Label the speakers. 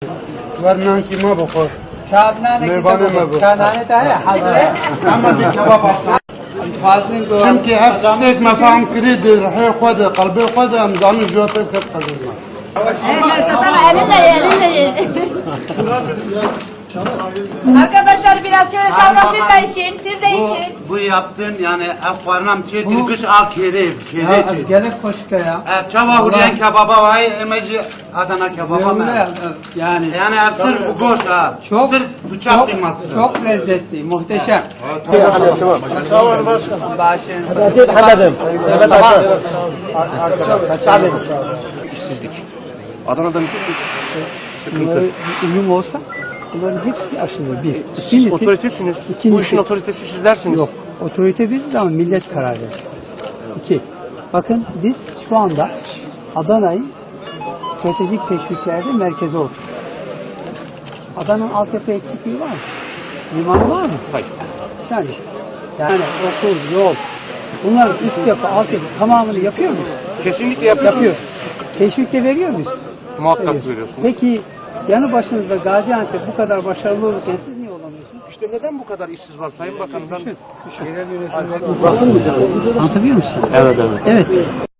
Speaker 1: ورنان کی ما بخور
Speaker 2: شادنانه کی
Speaker 1: میوانه ما بخور
Speaker 2: شادنانه تا है hazır
Speaker 1: اما بالكباب
Speaker 2: fazlın ko
Speaker 1: چونكي هف ستيك مفاهم كريد رحي خود قلبي خود امزان جوتي كت قدرنا
Speaker 3: Çatal elinle ye, elinle ye. Arkadaşlar biraz şöyle şalgam siz de için, siz de için.
Speaker 1: Bu yaptığın yani efvarnam çekili kış al kere çek.
Speaker 2: gelek koşka ya.
Speaker 1: Çava huriyen kebaba vay emeci Adana kebaba mı?
Speaker 2: Yani
Speaker 1: Yani sırf bu goş ha.
Speaker 2: çok
Speaker 1: Sırf bıçak kıyması.
Speaker 2: çok lezzetli, muhteşem. Başın.
Speaker 4: İşsizlik. Adana'da müthiş bir sıkıntı.
Speaker 5: Uyum olsa bunların hepsi aşılır. Bir.
Speaker 4: Siz
Speaker 5: İkincisi,
Speaker 4: otoritesiniz. Bu
Speaker 5: ikincisi-
Speaker 4: işin otoritesi sizlersiniz.
Speaker 5: Yok. Otorite biziz ama millet karar verir. İki. Bakın biz şu anda Adana'yı stratejik teşviklerde merkeze olduk. Adana'nın altyapı eksikliği var mı? Limanı var mı?
Speaker 4: Hayır.
Speaker 5: Yani okul, yol, bunların üst yapı, altyapı tamamını yapıyor muyuz?
Speaker 4: Kesinlikle yapıyorsunuz.
Speaker 5: Yapıyor. Teşvik de veriyor muyuz?
Speaker 4: Muhakkak
Speaker 5: Veriyoruz.
Speaker 4: veriyorsunuz.
Speaker 5: Peki yanı başınızda Gaziantep bu kadar başarılı olurken siz niye olamıyorsunuz?
Speaker 4: İşte neden bu kadar işsiz var Sayın Bakanım?
Speaker 5: Anlatabiliyor musun?
Speaker 4: Evet evet.
Speaker 5: Evet.